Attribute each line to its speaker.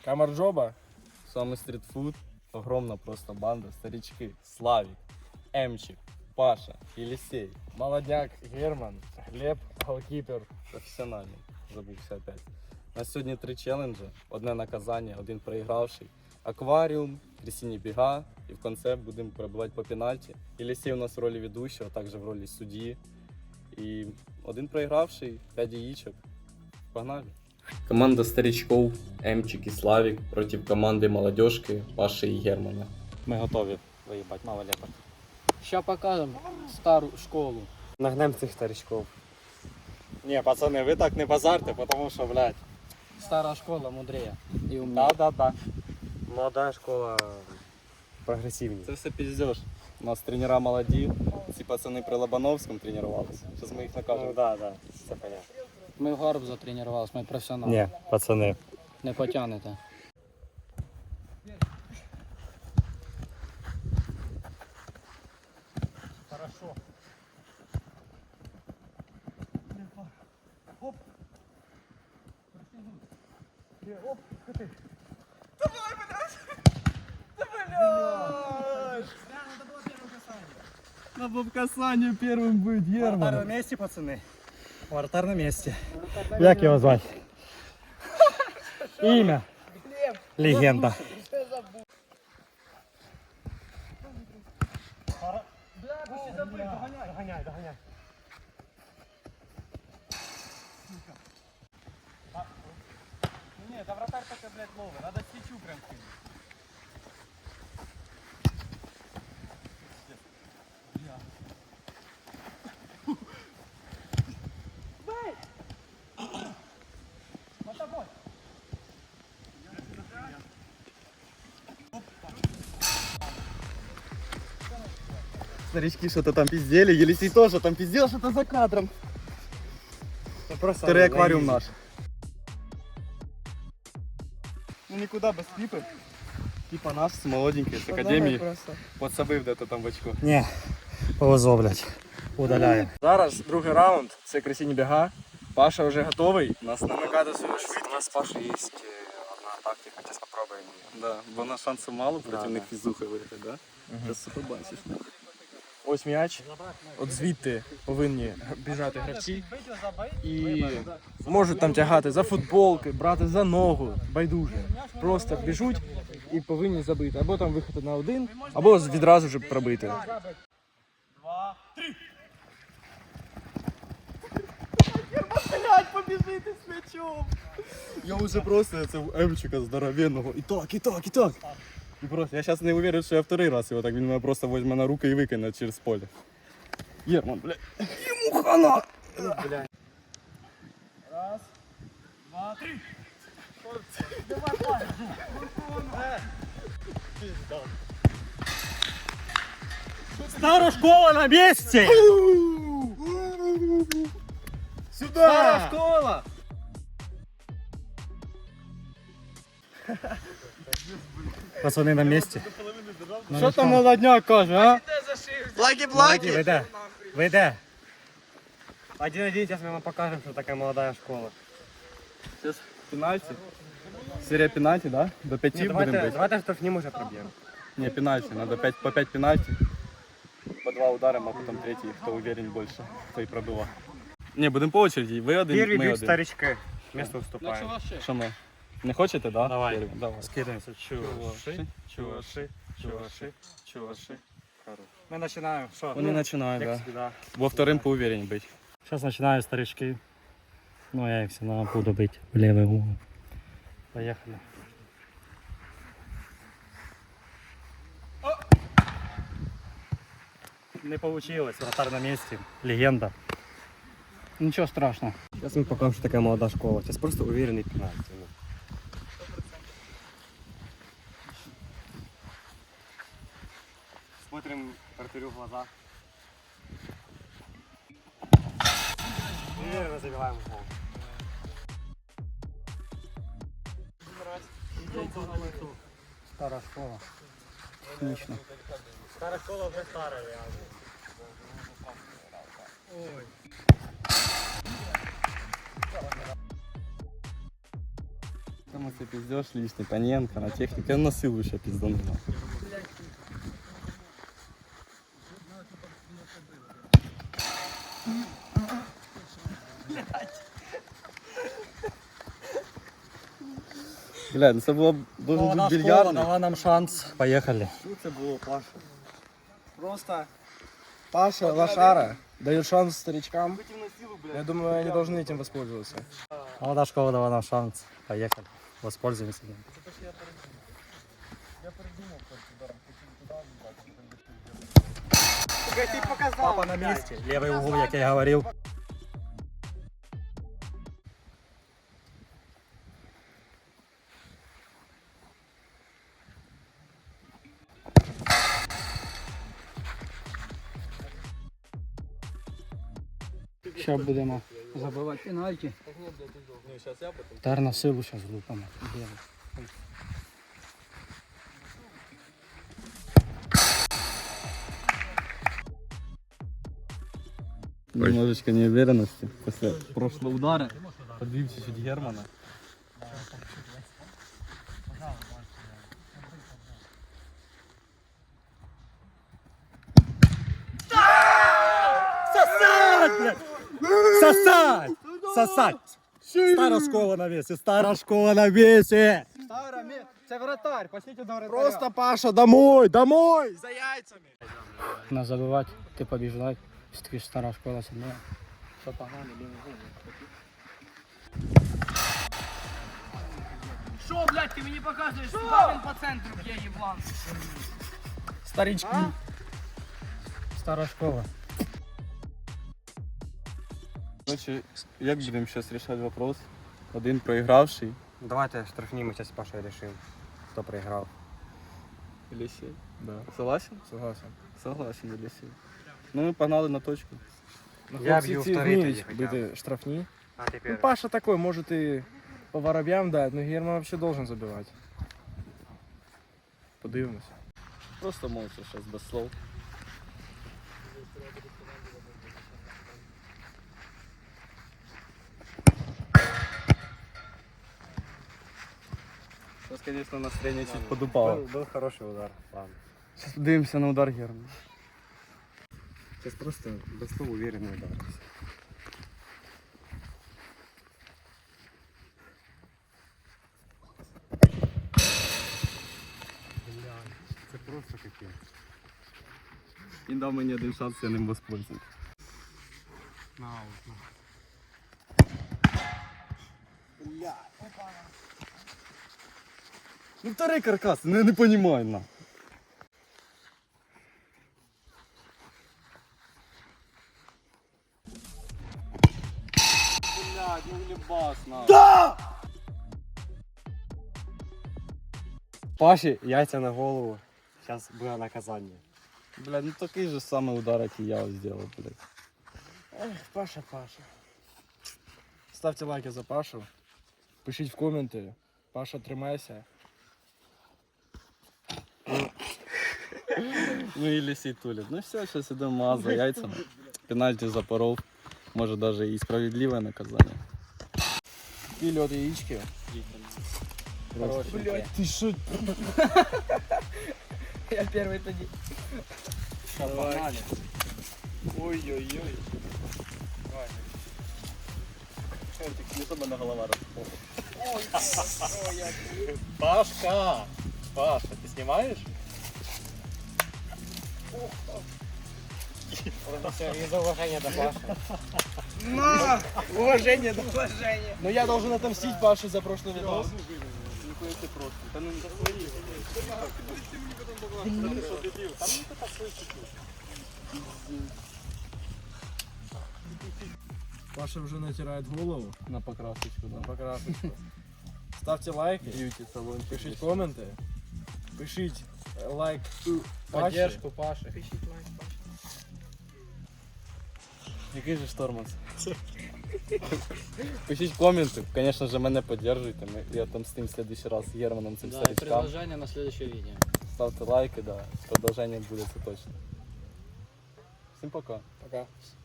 Speaker 1: Камарджоба.
Speaker 2: Самый стритфуд. Огромная просто банда. Старички. Славик, Эмчик, Паша, Елисей.
Speaker 1: Молодняк, Герман, Глеб, голкіпер.
Speaker 2: Професіональний. Забувся опять. У нас сьогодні 3 челенджі. Одне наказання, один проігравший. Акваріум, трясіння біга. І в кінці будемо перебувати по пенальті. Елисей у нас в ролі ведущого, також в ролі судді. І один проігравший, 5 яєчок. Погнали. Команда старичков Емчик і Славік проти команди молодежки Паши і Германа.
Speaker 3: Ми готові виїбати малолеток.
Speaker 4: Ща покажемо стару школу.
Speaker 3: Нагнем цих старичков. Ні, пацани, ви так не базарте, тому що, блядь.
Speaker 4: Стара школа мудрее і умніє.
Speaker 3: Да. Молода школа прогресивніше.
Speaker 2: Це все піздеж. У нас тренера молоді, ці пацани при Лобановському тренувалися. Зараз ми їх накажемо.
Speaker 3: Ну да, все понятно.
Speaker 4: Ми в Гарбуза тренувалися, ми професіонали.
Speaker 3: Ні, пацани.
Speaker 4: Не потягнете.
Speaker 1: Надо в касании первым быть, Герман.
Speaker 3: Вратар на місці, пацани. Вратар на місці. Як його звати? Ім'я. Легенда. Доганяй.
Speaker 1: Нет, да вратарь только, блядь, ловый. Надо свечу прям кинуть.
Speaker 2: Старички что-то там пиздели, Елисей тоже там пиздел что-то за кадром. Второй аквариум наш. Ну никуда без клипы. Типа наш с молоденькой, с академии. Подсобив де-то там в очко.
Speaker 3: Ні, повезло, блядь. Удаляємо.
Speaker 1: Зараз другий раунд, це красіння біга. Паша вже готовий. Нас намикати свою швидкість.
Speaker 3: У нас з Пашей є одна тактика, зараз спробуємо її.
Speaker 2: Да, бо на шансу мало проти
Speaker 3: Да,
Speaker 2: них фізухи вийти, да? Зараз побачиш.
Speaker 1: Ось м'яч. От звідти повинні біжати гравці. І можуть там тягати за футболки, брати за ногу, байдуже. Просто біжуть і повинні забити. Або там виходити на один, або відразу вже пробити.
Speaker 2: Я уже просто цього Емчика здоровенного. І так. І просто, я зараз не уверен, що я вторий раз його так, він мене просто візьме на руки і викине через поле. Герман, блядь. Йому хана!
Speaker 1: Раз, два, три.
Speaker 3: Стара школа на місці!
Speaker 1: Стара школа!
Speaker 3: Пацани на місці.
Speaker 1: Що там молодняк каже, а?
Speaker 3: Ви де? Один, зараз ми вам покажемо, що таке молода школа.
Speaker 2: Сейчас пенальти. Серия пенальти, да? До 5
Speaker 3: Ні,
Speaker 2: будем бить.
Speaker 3: давайте штрафні може проб'ємо.
Speaker 2: Не, пенальти. Надо по 5 пенальти. По 2 ударом, а потом третий, кто уверен больше, кто и пробивал. Не, будем по очереди. Ви один,
Speaker 3: Перві
Speaker 2: ми
Speaker 3: б'ють
Speaker 2: один.
Speaker 3: старички. Місто вступаємо.
Speaker 2: Що ми? Не хочете, да?
Speaker 3: Давай.
Speaker 2: Перві? Давай.
Speaker 3: Скидаємося. Чуваши. Ми починаємо. Що?
Speaker 2: Вони починають,
Speaker 3: Як
Speaker 2: да.
Speaker 3: завжди, да.
Speaker 2: Во вторым поуверенней быть.
Speaker 3: Зараз починаю старички. Ну, я їх все одно буду бити в лівий угол. Поїхали. Не вийшло, вратар на місці. Легенда.
Speaker 4: Нічого страшного.
Speaker 3: Зараз ми покажемо, що таке молода школа. Зараз просто уверений пенальті. Смотрим вратарю в глаза. Уверенно забиваем в гол.
Speaker 4: Стара школа. Технічно.
Speaker 3: Стара школа вже стара, реально.
Speaker 2: Герман, ты пиздешь лишний, Паненко, на технике, на силу еще пизданула. Блядь, ну це було должен бути
Speaker 3: Школа
Speaker 2: більярдний.
Speaker 3: дала нам шанс. Поехали.
Speaker 2: Що це було, Паша?
Speaker 1: Просто Паша, лошара, дает шанс старичкам. Я думаю, они должны этим воспользоваться.
Speaker 3: Молодая школа дала нам шанс. Поехали. Воспользуемся. Папа на месте. Левый угол, как я говорил.
Speaker 4: Що будемо забивати пенальті. Тепер на силу зараз влупимо.
Speaker 2: Немножечко неуверенности после прошлого удара. Подвиг чуть-чуть Германа.
Speaker 3: Сосать, блядь! Сосать! Сосать! Стара школа на весе, стара школа на весе!
Speaker 4: Це вратарь, пошліть до вратаря.
Speaker 1: Просто, Паша, домой, домой! За яйцами!
Speaker 4: Нас забивати, ти побіждай. Все-таки стара школа сильна. Що погнали, лівий гол.
Speaker 5: Що, блядь, ти мені показуєш, куди він по центру б'є, єблан?
Speaker 1: Старички.
Speaker 4: Стара школа.
Speaker 2: Короче, як будемо зараз рішати вопрос? Один проігравший.
Speaker 3: Давайте штрафні ми зараз з Пашою рішимо, хто проіграв.
Speaker 2: Елісей.
Speaker 1: Да,
Speaker 2: Согласен?
Speaker 1: согласен.
Speaker 2: Согласен, Елісей. Ну ми погнали на точку.
Speaker 1: Ну,
Speaker 3: Я
Speaker 1: хлопці
Speaker 3: б'ю
Speaker 1: ці
Speaker 3: вторий
Speaker 1: вміють
Speaker 3: тоді хоча б.
Speaker 1: бити штрафні.
Speaker 3: А
Speaker 1: Ну,
Speaker 3: тепер.
Speaker 1: Паша такой, может и по воробьям дать, но Герман вообще должен забивать. Подивимось.
Speaker 2: Просто молча зараз, без слов. Сейчас, конечно, настроение чуть подупало.
Speaker 3: Был хороший удар. Ладно.
Speaker 2: Сейчас подивимося на удар Германа.
Speaker 3: Сейчас просто без слов уверенный удар. Це просто капець.
Speaker 2: Він дав мені один шанс, я ним воспользуюсь. Ну второй каркас, ну я не понимаю, на. Блядь, ну глебас, на. Да!
Speaker 3: Паші, яйця на голову. Зараз буде наказання.
Speaker 2: Блядь, ну такий же самый удар, як і я ось сделал, блядь.
Speaker 1: Эх, Паша, Паша. Ставьте лайки за Пашу. Пишіть в коменти. Паша, тримайся.
Speaker 2: Ну і Елісей тулит. Ну все, сейчас идем маз за яйцами. Пенальти запоров. Може даже і справедливе наказання.
Speaker 1: Пили от яички. Блять, ты шо?
Speaker 5: Я перший тоді.
Speaker 1: Ой-ой-ой.
Speaker 2: Не то мене голова розпала.
Speaker 1: Пашка! Паша, ты снимаешь?
Speaker 3: Из уважения до Паши.
Speaker 1: Уважение, да?
Speaker 5: Уваження.
Speaker 1: Но я должен отомстить Паше за прошлый видос.
Speaker 2: Ніхуя ти просто. Та ну не свої.
Speaker 1: Паша уже натирает голову
Speaker 2: На покрасочку,
Speaker 1: на
Speaker 2: да.
Speaker 1: покрасочку. Ставьте лайки,
Speaker 2: Б'юті салон.
Speaker 1: пишите комменты, пишите лайк Паші.
Speaker 4: Поддержку Паші.
Speaker 2: Який же штормас? Пишіть коменти, звісно ж, мене підтримуйте. Я отомстим в следующий раз Германом цим
Speaker 4: Да, и
Speaker 2: старичкам.
Speaker 4: продолжение на следующее видео.
Speaker 2: Ставте лайки, да. Продовження буде, це точно. Всім пока.
Speaker 1: Пока.